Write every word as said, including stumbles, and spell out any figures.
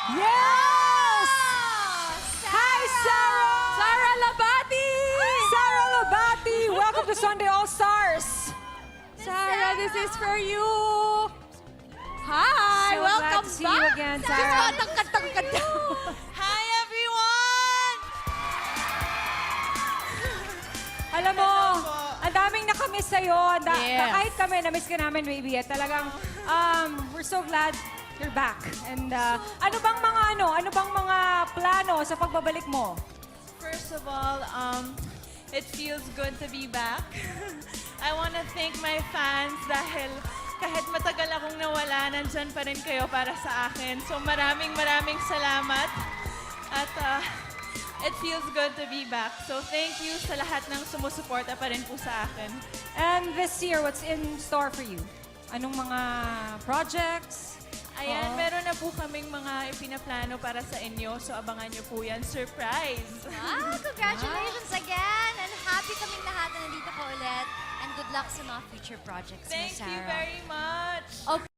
Yes! Hi, Sarah! Sarah Labati! Sarah Labati! Welcome to Sunday All Stars! Sarah, this is for you! Hi! So Welcome glad to see back! you again, Sarah. Just katang-katang Hi, everyone! Alam mo, ang daming nakamiss sa'yo. Ang da- Yes. Kahit kami, namiss ka namin, baby. At talagang, um, we're so glad you're back. And uh, ano bang mga ano, ano bang mga plano sa pagbabalik mo? First of all, um, it feels good to be back. I want to thank my fans dahil kahit matagal akong nawala, nandyan pa rin kayo para sa akin. So maraming maraming salamat. At uh, it feels good to be back. So thank you sa lahat ng sumusuporta pa rin po sa akin. And this year, what's in store for you? Anong mga projects? Ayan, Oo. meron na po kaming mga ipinaplano para sa inyo. So abangan niyo po yan. Surprise! Ah, congratulations again! And happy kaming lahat na nandito ka ulit. And good luck sa mga future projects mo, Thank Sarah. you very much! Okay.